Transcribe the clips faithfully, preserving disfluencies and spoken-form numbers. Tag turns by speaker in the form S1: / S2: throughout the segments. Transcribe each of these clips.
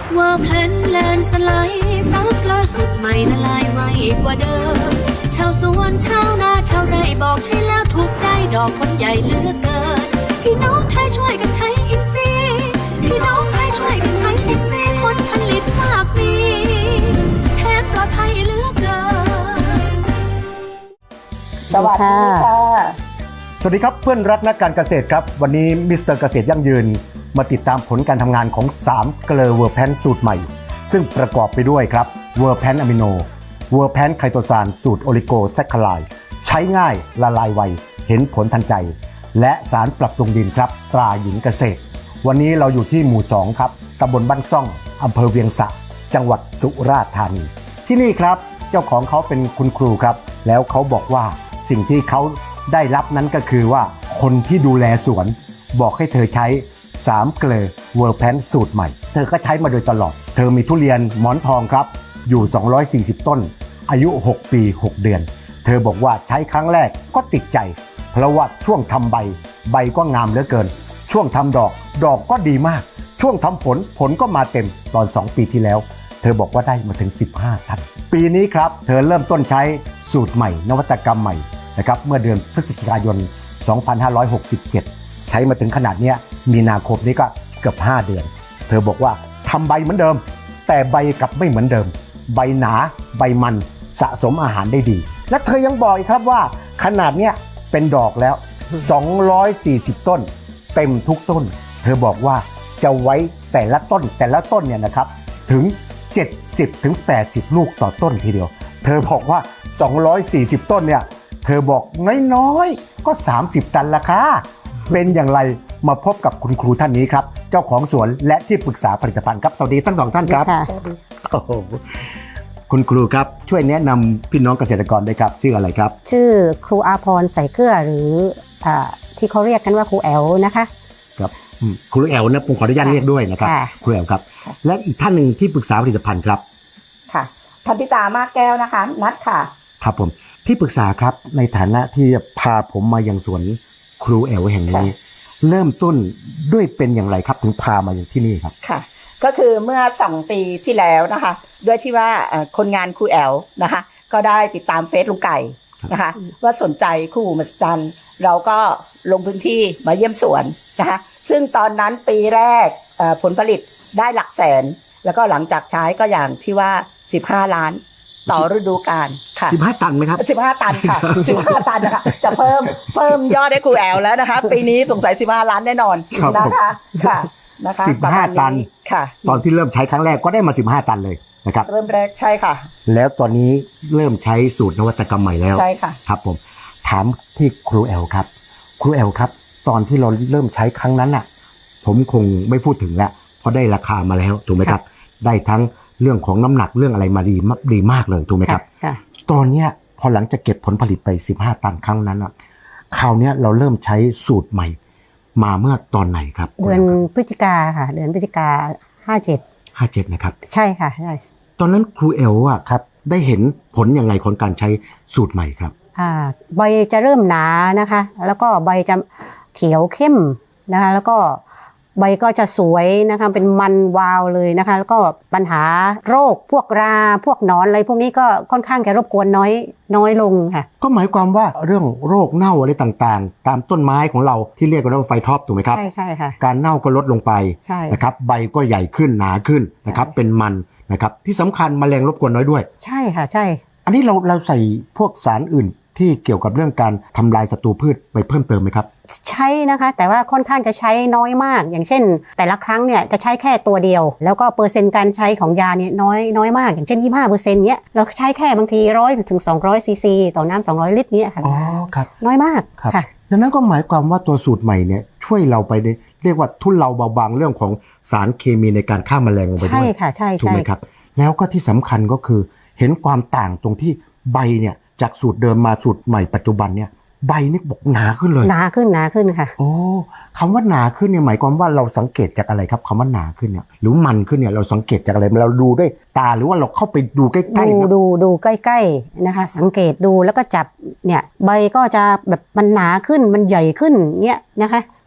S1: ว่าแพลนแลนสไลด์ซับล่าสุดใหม่ละลายไวกว่าเดิมชาวสวนชาวนาชาวไร่บอกใช่แล้วถูกใจดอกคนใหญ่เหลือเกินพี่น้องไทยช่วยกันใช้อิฟซีพี่น้องไทยช่วยกันใช้อิฟซีผลผลิตมากมีแทนปลอดภัยเหลือเกิน
S2: สวัสดีค่ะ
S3: สวัสดีครับเพื่อนรักนักการเกษตรครับวันนี้มิสเตอร์เกษตรยั่งยืนมาติดตามผลการทำงานของสามเกลอเวอร์แพนสูตรใหม่ซึ่งประกอบไปด้วยครับเวอร์แพนอะมิโนเวอร์แพนไคโตซานสูตรโอลิโกแซคคาไลด์ใช้ง่ายละลายไวเห็นผลทันใจและสารปรับปรุงดินครับตราหญิงเกษตรวันนี้เราอยู่ที่หมู่สองครับตำบลบ้านซ่องอำเภอเวียงสะจังหวัดสุราษฎร์ธานีที่นี่ครับเจ้าของเขาเป็นคุณครูครับแล้วเขาบอกว่าสิ่งที่เขาได้รับนั้นก็คือว่าคนที่ดูแลสวนบอกให้เธอใช้สามเกลอเวอร์แพนสูตรใหม่เธอก็ใช้มาโดยตลอดเธอมีทุเรียนหมอนทองครับอยู่สองร้อยสี่สิบต้นอายุหกปีหกเดือนเธอบอกว่าใช้ครั้งแรกก็ติดใจเพราะว่าช่วงทำใบใบก็งามเหลือเกินช่วงทำดอกดอกก็ดีมากช่วงทำผลผลก็มาเต็มตอนสองปีที่แล้วเธอบอกว่าได้มาถึงสิบห้าตันปีนี้ครับเธอเริ่มต้นใช้สูตรใหม่นวัตกรรมใหม่นะครับเมื่อเดือนพฤศจิกายนสองพันห้าร้อยหกสิบเจ็ดใช้มาถึงขนาดนี้มีนาคมนี้ก็เกือบห้าเดือนเธอบอกว่าทำใบเหมือนเดิมแต่ใบกลับไม่เหมือนเดิมใบหนาใบมันสะสมอาหารได้ดีและเธอยังบอกอีกครับว่าขนาดเนี้ยเป็นดอกแล้วสองร้อยสี่สิบต้นเต็มทุกต้นเธอบอกว่าจะไว้แต่ละต้นแต่ละต้นเนี่ยนะครับถึงเจ็ดสิบถึงแปดสิบลูกต่อต้นทีเดียวเธอบอกว่าสองร้อยสี่สิบต้นเนี่ยเธอบอกน้อยๆก็สามสิบตันละค่ะเป็นอย่างไรมาพบกับคุณครูท่านนี้ครับเจ้าของสวนและที่ปรึกษาผลิตภัณฑ์ครับสวัสดีทั้งสองท่านครับโอ้โหคุณครูครับช่วยแนะนำพี่น้องเกษตรกรด้วยครับชื่ออะไรครับ
S2: ชื่อครูอาภรณ์ใส่เกลือหรืออ่าที่เขาเรียกกันว่าครูแอลนะคะ
S3: ครับครูแอลนะผมขออนุญาตเรียกด้วยนะครับครูแอลครับและอีกท่านหนึ่งที่ปรึกษาผลิตภัณฑ์ครับ
S4: ค่ะพันธิตามากแก้วนะคะนัดค่ะ
S3: ครับผมที่ปรึกษาครับในฐานะที่พาผมมายังสวนครูแอลแห่งนี้เริ่มต้นด้วยเป็นอย่างไรครับถึงพามาอย่างที่นี่ครับ
S4: ค่ะก็คือเมื่อสองปีที่แล้วนะคะด้วยที่ว่าคนงานครูแอลนะคะก็ได้ติดตามเฟซลุงไก่นะคะว่าสนใจคู่หูมหัศจรรย์เราก็ลงพื้นที่มาเยี่ยมสวนนะคะซึ่งตอนนั้นปีแรกผลผลิตได้หลักแสนแล้วก็หลังจากใช้ก็อย่างที่ว่าสิบห้าล้านต่อฤดูกาลค่ะ
S3: สิบห้าตันไหมครับ
S4: สิบห้าตันค่ะสิบห้าตันนะคะจะเพิ่มเพิ่มยอดให้ครูแอลแล้วนะคะปีนี้สงสัยสิบห้าล้านแน่นอนนะคะค่ะนะคะ
S3: สิบห้าตัน
S4: ค่ะ
S3: ตอนที่เริ่มใช้ครั้งแรกก็ได้มาสิบห้าตันเลยนะครับ
S4: เริ่มแรกใช่ค่ะ
S3: แล้วตอนนี้เริ่มใช้สูตรนวัตกรรมใหม่แล้ว
S4: ใช่ค่ะ
S3: ครับผมถามที่ครูแอลครับครูแอลครับตอนที่เราเริ่มใช้ครั้งนั้นน่ะผมคงไม่พูดถึงแล้วเพราะได้ราคามาแล้วถูกไหมครับได้ทั้งเรื่องของน้ำหนักเรื่องอะไรมาดีมากดีมากเลยถูกไหมครับตอนเนี้ยพอหลังจากเก็บผลผลิตไปสิบห้าตันครั้งนั้นอ่ะคราวนี้เราเริ่มใช้สูตรใหม่มาเมื่อตอนไหนครับ
S2: เดือนพฤศจิกาค่ะเดือนพฤศจิกาห้าเจ็ด
S3: ห้าเจ็ดนะครับ
S2: ใช่ค่ะใช่
S3: ตอนนั้นครูแอลอ่ะครับได้เห็นผลอย่างไรของการใช้สูตรใหม่ครับ
S2: อ่าใบจะเริ่มหนานะคะแล้วก็ใบจะเขียวเข้มนะคะแล้วก็ใบก็จะสวยนะคะเป็นมันวาวเลยนะคะแล้วก็ปัญหาโรคพวกราพวกหนอนอะไรพวกนี้ก็ค่อนข้างจะรบกวนน้อยน้อยลงค่ะ
S3: ก็หมายความว่าเรื่องโรคเน่าอะไรต่างๆตามต้นไม้ของเราที่เรียกกันว่าไฟท็อปถูกไหมครับ
S2: ใช่ใช่ค่ะ
S3: การเน่าก็ลดลงไปนะครับใบก็ใหญ่ขึ้นหนาขึ้นนะครับเป็นมันนะครับที่สำคัญแมลงรบกวนน้อยด้วย
S2: ใช่ค่ะใช่
S3: อันนี้เราเราใส่พวกสารอื่นที่เกี่ยวกับเรื่องการทำลายศัตรูพืชไปเพิ่มเติมไหมครับ
S2: ใช่นะคะแต่ว่าค่อนข้างจะใช้น้อยมากอย่างเช่นแต่ละครั้งเนี่ยจะใช้แค่ตัวเดียวแล้วก็เปอร์เซ็นต์การใช้ของยาเนี่ยน้อยน้อยมากอย่างเช่น ยี่สิบห้าเปอร์เซ็นต์ เนี้ยเราใช้แค่บางทีหนึ่งร้อยถึงสองร้อยซีซีต่อน้ำสองร้อยลิตรเนี้ยค่ะ
S3: อ๋อครับ
S2: น้อยมาก
S3: ค่ะดังนั้นก็หมายความว่าตัวสูตรใหม่เนี่ยช่วยเราไปเรียกว่าทุเลาเบาบางเรื่องของสารเคมีในการฆ่าแมลงลงไปด้วย
S2: ใช่ค่ะใช่
S3: ถูกไหมครับแล้วก็ที่สำคัญก็คือเห็นความต่างตรงที่ใบเนี่ยจากสูตรเดิมมาสูตรใหม่ปัจจุบันเนี่ยใบนี่บอกหนาขึ้นเลย
S2: หนาขึ้นหนาขึ้นค่ะ
S3: โอ้คำว่าหนาขึ้นเนี่ยหมายความว่าเราสังเกตจากอะไรครับคำว่าหนาขึ้นเนี่ยหรือมันขึ้นเนี่ยเราสังเกตจากอะไรเราดูด้วยตาหรือว่าเราเข้าไปดูใกล้
S2: ๆดูดูดูใกล้ๆนะคะสังเกตดูแล้วก็จับเนี่ยใบก็จะแบบมันหนาขึ้นมันใหญ่ขึ้นเนี่ยนะคะ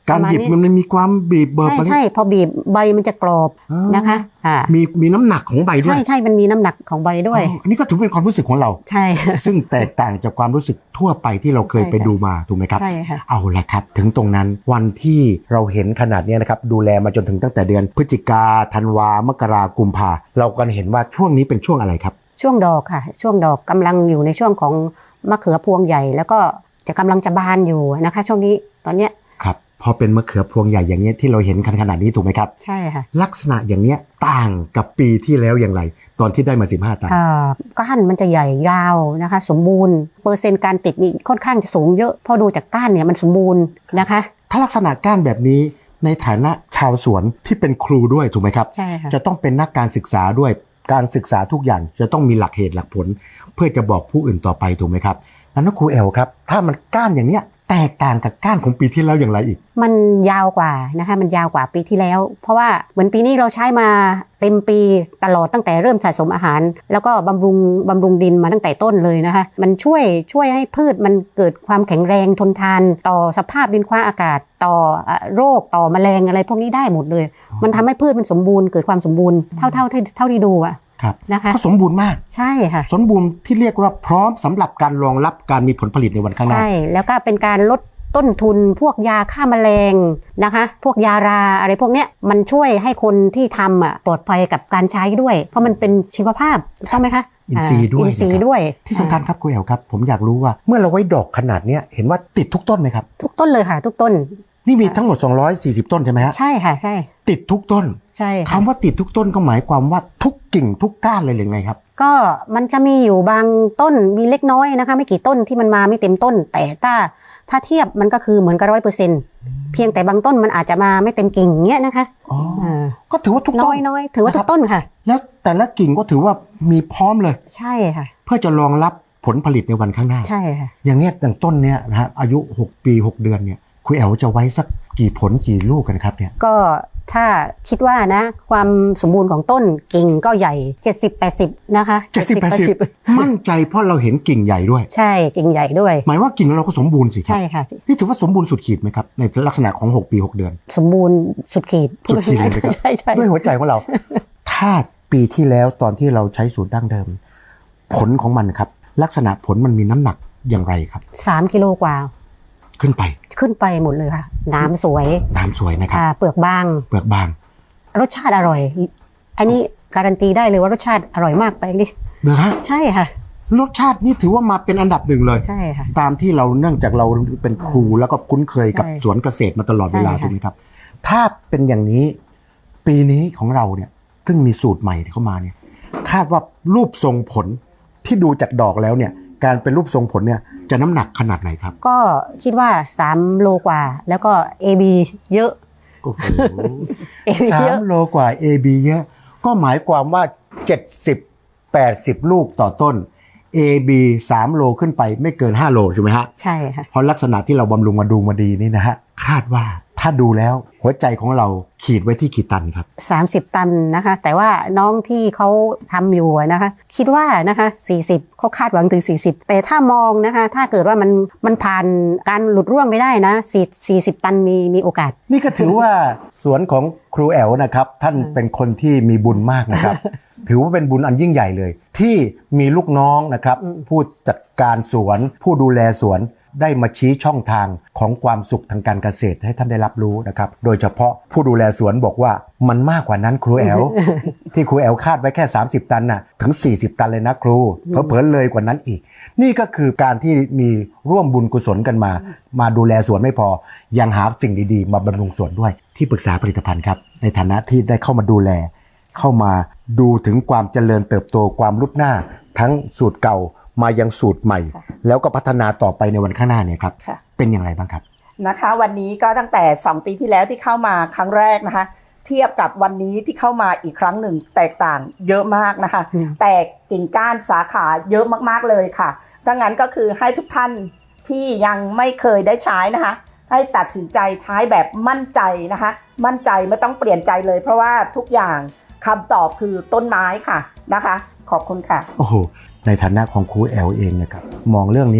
S3: การหยิบมันมีความบีบเบิร์
S2: ใช่ใช่พอบีบใบมันจะกรอบนะคะอ่า
S3: มีมีน้ำหนักของใบด้วย
S2: ใช่ใช่มันมีน้ำหนักของใบด้วย
S3: อันนี้ก็ถือเป็นความรู้สึกของเรา
S2: ใช่
S3: ซึ่งแตกต่างจากความรู้สึกทั่วไปที่เราเคยไปดูมาถูกไหมครับ
S2: ใช่ค่ะ
S3: เอาละครับถึงตรงนั้นวันที่เราเห็นขนาดนี้นะครับดูแลมาจนถึงตั้งแต่เดือนพฤศจิกาธันวามกรากุมภาเรากันเห็นว่าช่วงนี้เป็นช่วงอะไรครับ
S2: ช่วงดอกค่ะช่วงดอกกำลังอยู่ในช่วงของมะเขือพวงใหญ่แล้วก็จะกำลังจะบานอยู่นะคะช่วงนี้ตอนเนี้ย
S3: ครับพอเป็นมะเขือพวงใหญ่อย่างนี้ที่เราเห็นขนาดนี้ถูกไหมครับ
S2: ใช่ค่ะ
S3: ลักษณะอย่างนี้ต่างกับปีที่แล้วอย่างไรตอนที่ได้มาสิบห้าตัน
S2: ก้านมันจะใหญ่ยาวนะคะสมบูรณ์เปอร์เซ็นต์การติดนี่ค่อนข้างจะสูงเยอะพอดูจากก้านเนี่ยมันสมบูรณ์นะคะ
S3: ถ้าลักษณะก้านแบบนี้ในฐานะชาวสวนที่เป็นครูด้วยถูกไหมครับ
S2: ใช่ค่ะ
S3: จะต้องเป็นนักการศึกษาด้วยการศึกษาทุกอย่างจะต้องมีหลักเหตุหลักผลเพื่อจะบอกผู้อื่นต่อไปถูกไหมครับแล้วครูแอลครับถ้ามันก้านอย่างเนี้ยแตกต่างกับก้านของปีที่แล้วอย่างไรอีก
S2: มันยาวกว่านะคะมันยาวกว่าปีที่แล้วเพราะว่าเหมือนปีนี้เราใช้มาเต็มปีตลอดตั้งแต่เริ่มสะสมอาหารแล้วก็บำรุงบำรุงดินมาตั้งแต่ต้นเลยนะคะมันช่วยช่วยให้พืชมันเกิดความแข็งแรงทนทานต่อสภาพดินฟ้าอากาศต่อโรคต่อแมลงอะไรพวกนี้ได้หมดเลยมันทำให้พืชมันสมบูรณ์เกิดความสมบูรณ์เท่าเท่าที่เท่าที่ดูอะนะคะ
S3: ก็สมบูรณ์มาก
S2: ใช่ค่ะ
S3: สมบูรณ์ที่เรียกว่าพร้อมสำหรับการรองรับการมีผลผลิตในวันข้างหน้า
S2: ใช่แล้วก็เป็นการลดต้นทุนพวกยาฆ่าแมลงนะคะพวกยาราอะไรพวกเนี้ยมันช่วยให้คนที่ทำอ่ะปลอดภัยกับการใช้ด้วยเพราะมันเป็นชีวภาพถูกต้องไหมคะ
S3: อินทรีย์ด้วย
S2: อินทรีย์ด้วย
S3: ที่สำคัญครับคุณแอลครับผมอยากรู้ว่าเมื่อเราไว้ดอกขนาดนี้เห็นว่าติดทุกต้นไหมครับ
S2: ทุกต้นเลยค่ะทุกต้น
S3: นี่มีทั้งหมดสองร้อยสี่สิบต้นใช่ไหมฮะ
S2: ใช่ค่ะใช่
S3: ติดทุกต้น
S2: ใช่
S3: คำว่าติดทุกต้นก็หมายความว่าทุกกิ่งทุกก้านเลยหรือไงครับ
S2: ก็มันจะมีอยู่บางต้นมีเล็กน้อยนะคะไม่กี่ต้นที่มันมาไม่เต็มต้นแต่ถ้าถ้าเทียบมันก็คือเหมือนกับร้อยเปอร์เซ็นต์เพียงแต่บางต้นมันอาจจะมาไม่เต็มกิ่งเงี้ยนะคะ
S3: อ๋อก็ถือว่าทุกต้น
S2: น้อยน้อยถือว่าทุกต้นค่ะ
S3: แล้วแต่ละกิ่งก็ถือว่ามีพร้อมเลย
S2: ใช่ค่ะ
S3: เพื่อจะรองรับผลผลิตในวันข้างหน้า
S2: ใช่ค่ะ
S3: อย่างเงี้ยอย่างต้นเนี้ยนะฮะอายุหกปีหกเดือนเนี่ยคุณแอลจะไว้สักกี่ผลกี่ลูกกันครับเนี่ย
S2: ก็ถ้าคิดว่านะความสมบูรณ์ของต้นกิ่งก็ใหญ่เจ็ดสิบ แปดสิบนะคะ
S3: เจ็ดสิบ แปดสิบมั่นใจเพราะเราเห็นกิ่งใหญ่ด้วย
S2: ใช่กิ่งใหญ่ด้วย
S3: หมายว่ากิ่งเราก็สมบูรณ์สิ
S2: ใช่ค่ะ
S3: นี่ถือว่าสมบูรณ์สุดขีดไหมครับในลักษณะของหกปีหกเดือน
S2: สมบูรณ์สุดขีด
S3: สุดขีดเลยครับใช่ๆด้วยหัวใจของเราถ้าปีที่แล้วตอนที่เราใช้สูตรดั้งเดิมผลของมันครับลักษณะผลมันมีน้ำหนักอย่างไรครับ
S2: สามกิโลกว่า
S3: ขึ้นไป
S2: ขึ้นไปหมดเลยค่ะน้ำสวย
S3: น้ำสวยนะครับ
S2: เปลือกบาง
S3: เปลือกบาง
S2: รสชาติอร่อยอันนี้การันตีได้เลยว่ารสชาติอร่อยมากไปดิ
S3: เหรอฮะ
S2: ใช่ค่ะ
S3: รสชาตินี่ถือว่ามาเป็นอันดับหนึ่งเลย
S2: ใช่ค่ะ
S3: ตามที่เราเนื่องจากเราเป็นครูแล้วก็คุ้นเคยกับสวนเกษตรมาตลอดเวลาถูกไหมครับถ้าเป็นอย่างนี้ปีนี้ของเราเนี่ยซึ่งมีสูตรใหม่เข้ามาเนี่ยคาดว่ารูปทรงผลที่ดูจากดอกแล้วเนี่ยการเป็นรูปทรงผลเนี่ยจะน้ำหนักขนาดไหนครับ
S2: ก็คิดว่าสามโลกว่าแล้วก็ เอ บี เยอะ
S3: โอ้โหสามโลกว่า เอ บี เยอะก็หมายความว่าเจ็ดสิบ แปดสิบลูกต่อต้น เอ บี สามโลขึ้นไปไม่เกินห้าโลใช่ไหมฮะ
S2: ใช่ค่ะ
S3: เพราะลักษณะที่เราบำรุงมาดูมาดีนี่นะฮะคาดว่าถ้าดูแล้วหัวใจของเราขีดไว้ที่กี่ตันครับ
S2: สามสิบตันนะคะแต่ว่าน้องที่เขาทำอยู่นะคะคิดว่านะคะสี่สิบเขาคาดหวังถึงสี่สิบแต่ถ้ามองนะคะถ้าเกิดว่ามันมันผ่านการหลุดร่วงไปได้นะสี่สิบตันมีมีโอกาส
S3: นี่ก็ถือว่าสวนของครูแอลนะครับท่านเป็นคนที่มีบุญมากนะครับถือว่าเป็นบุญอันยิ่งใหญ่เลยที่มีลูกน้องนะครับผู้จัดการสวนผู้ดูแลสวนได้มาชี้ช่องทางของความสุขทางการเกษตรให้ท่านได้รับรู้นะครับโดยเฉพาะผู้ดูแลสวนบอกว่ามันมากกว่านั้นครูแอล ที่ครูแอลคาดไว้แค่สามสิบตันน่ะถึงสี่สิบตันเลยนะครูเผลอๆเลยกว่านั้นอีกนี่ก็คือการที่มีร่วมบุญกุศลกันมามาดูแลสวนไม่พอยังหาสิ่งดีๆมาบำรุงสวนด้วยที่ปรึกษาผลิตภัณฑ์ครับในฐานะที่ได้เข้ามาดูแลเข้ามาดูถึงความเจริญเติบโตความรุดหน้าทั้งสูตรเก่ามายังสูตรใหม่แล้วก็พัฒนาต่อไปในวันข้างหน้าเนี่ยครับเป็นอย่างไรบ้างครับ
S4: นะคะวันนี้ก็ตั้งแต่สองปีที่แล้วที่เข้ามาครั้งแรกนะคะเทียบกับวันนี้ที่เข้ามาอีกครั้งหนึ่งแตกต่างเยอะมากนะคะแตกกิ่งก้านสาขาเยอะมากๆเลยค่ะดังนั้นก็คือให้ทุกท่านที่ยังไม่เคยได้ใช้นะคะให้ตัดสินใจใช้แบบมั่นใจนะคะมั่นใจไม่ต้องเปลี่ยนใจเลยเพราะว่าทุกอย่างคำตอบคือต้นไม้ค่ะนะคะขอบคุณค่ะ
S3: โอ้โหในฐานะของครูแอลเองนะครับมองเรื่องนี้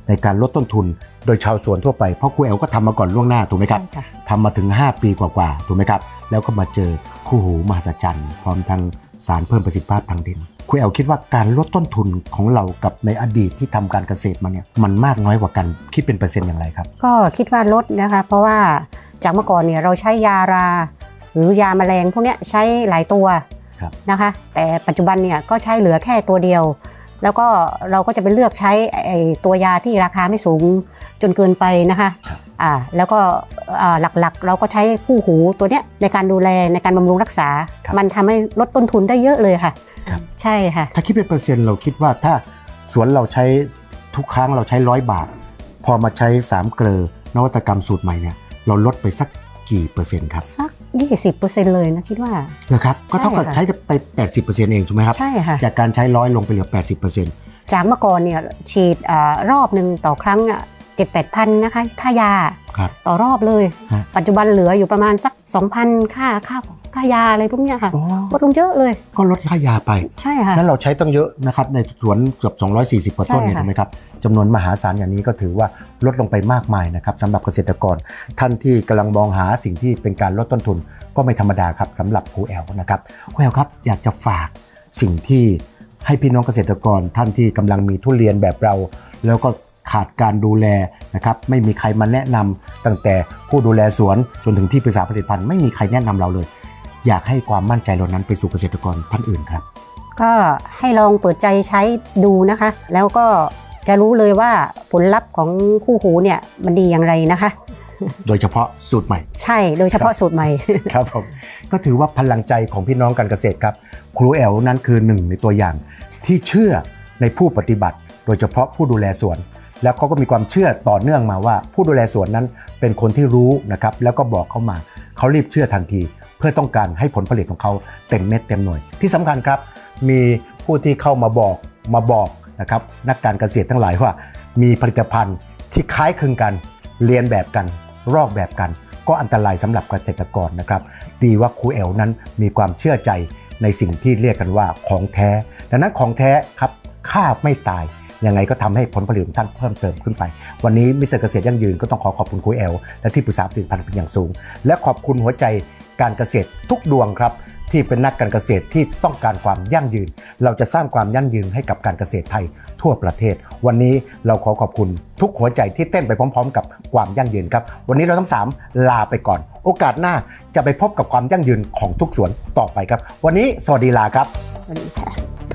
S3: ในการลดต้นทุนโดยชาวสวนทั่วไปเพราะครูแอลก็ทำมาก่อนล่วงหน้าถูกไหมครับ
S2: ใช่ค่ะ
S3: ทำมาถึงห้าปีกว่าๆถูกไหมครับแล้วก็มาเจอคู่หูมหัศจรรย์พร้อมทั้งสารเพิ่มประสิทธิภาพทางดินครูแอลคิดว่าการลดต้นทุนของเรากับในอดีตที่ทำการเกษตรมาเนี่ยมันมากน้อยกว่ากันคิดเป็นเปอร์เซ็นต์อย่างไรครับ
S2: ก็คิดว่าลดนะคะเพราะว่าจากเมื่อก่อนเนี่ยเราใช้ยาราหรือยาแมลงพวกนี้ใช้หลายตัวนะคะแต่ปัจจุบันเนี่ยก็ใช้เหลือแค่ตัวเดียวแล้วก็เราก็จะไปเลือกใช้ไอ้ตัวยาที่ราคาไม่สูงจนเกินไปนะคะอ่าแล้วก็อ่าหลักๆเราก็ใช้คู่หูตัวเนี้ยในการดูแลในการบำรุงรักษามันทำให้ลดต้นทุนได้เยอะเลยค่ะใช่ค่ะ
S3: ถ้าคิดเป็นเปอร์เซ็นต์เราคิดว่าถ้าสวนเราใช้ทุกครั้งเราใช้ร้อยบาทพอมาใช้สามเกลอนวัตกรรมสูตรใหม่เนี่ยเราลดไปสักกี่เปอร์เซ็นต์ครับ
S2: สัก ยี่สิบเปอร์เซ็นต์ เลยนะคิดว่า
S3: เหรอครับก็เท่ากับใช้ไป แปดสิบเปอร์เซ็นต์ เองถูกไหมครับ
S2: ใช่ค่ะ
S3: จากการใช้ร้อยลงไปเหลือ แปดสิบเปอร์เซ็นต์
S2: จากเมื่อก่อนเนี่ยฉีดรอบหนึ่งต่อครั้งอ่ะเจ็ดแปดพันนะคะค่ายาต่อรอบเลยปัจจุบันเหลืออยู่ประมาณสัก สองพัน ค่าค่าค่ายาอะไรพวกนี้ค่ะลดลงเยอะเลย
S3: ก็ลดค่ายาไป
S2: ใช่ค่ะ
S3: แล้วเราใช้ต้องเยอะนะครับในสวนเกือบสองร้อยสี่สิบกว่าต้นเนี่ยถูกไหมครับจำนวนมหาศาลอย่างนี้ก็ถือว่าลดลงไปมากมายนะครับสำหรับเกษตรกรท่านที่กำลังมองหาสิ่งที่เป็นการลดต้นทุนก็ไม่ธรรมดาครับสำหรับครูแอลนะครับครูแอลครับอยากจะฝากสิ่งที่ให้พี่น้องเกษตรกรท่านที่กำลังมีทุเรียนแบบเราแล้วก็ขาดการดูแลนะครับไม่มีใครมาแนะนำตั้งแต่ผู้ดูแลสวนจนถึงที่ปรึกษาผลิตภัณฑ์ไม่มีใครแนะนำเราเลยอยากให้ความมั่นใจเหล่านั้นไปสู่เกษตรกรท่านอื่นครับ
S2: ก็ให้ลองเปิดใจใช้ดูนะคะแล้วก็จะรู้เลยว่าผลลัพธ์ของคู่หูเนี่ยมันดีอย่างไรนะคะ
S3: โดยเฉพาะสูตรใหม่
S2: ใช่โดยเฉพาะสูตรใหม่
S3: ครับผมก็ถือว่าพลังใจของพี่น้องการเกษตรครับครูแอลนั้นคือหนึ่งในตัวอย่างที่เชื่อในผู้ปฏิบัติโดยเฉพาะผู้ดูแลสวนแล้วเขาก็มีความเชื่อต่อเนื่องมาว่าผู้ดูแลสวนนั้นเป็นคนที่รู้นะครับแล้วก็บอกเขามาเขารีบเชื่อทันทีเพื่อต้องการให้ผลผลิตของเขาเต็มเม็ดเต็มหน่วยที่สำคัญครับมีผู้ที่เข้ามาบอกมาบอกนะครับนักการเกษตรทั้งหลายว่ามีผลิตภัณฑ์ที่คล้ายคลึงกันเรียนแบบกันรอกแบบกันก็อันตรายสำหรับเกษตรกรนะครับดีว่าครูแอลนั้นมีความเชื่อใจในสิ่งที่เรียกกันว่าของแท้ดังนั้นของแท้ครับฆ่าไม่ตายยังไงก็ทำให้ผลผลิตของท่านเพิ่มเติมขึ้นไปวันนี้มิสเตอร์เกษตรยั่งยืนก็ต้องขอขอบคุณครูแอลและที่ปรึกษาผลิตภัณฑ์เป็นอย่างสูงและขอบคุณหัวใจการเกษตรทุกดวงครับที่เป็นนักการเกษตรที่ต้องการความยั่งยืนเราจะสร้างความยั่งยืนให้กับการเกษตรไทยทั่วประเทศวันนี้เราขอขอบคุณทุกหัวใจที่เต้นไปพร้อมๆกับความยั่งยืนครับวันนี้เราทั้งสามลาไปก่อนโอกาสหน้าจะไปพบกับความยั่งยืนของทุกสวนต่อไปครับวันนี้สวัสดีลาครับ
S2: สวัสดีค่ะ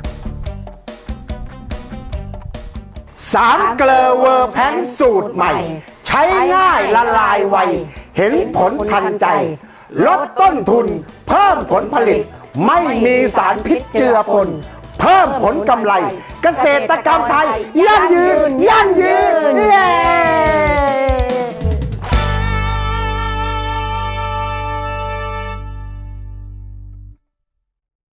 S3: สามเกลอเวอร์แพนสูตรใหม่ใช้ง่ายละลายไวเห็นผลทันใจลดต้นทุนเพิ่มผลผลิตไม่มีสารพิษเจือปนเพิ่มผลกำไรเกษตรกรรมไทยยั่งยืนยั่งยืนเย้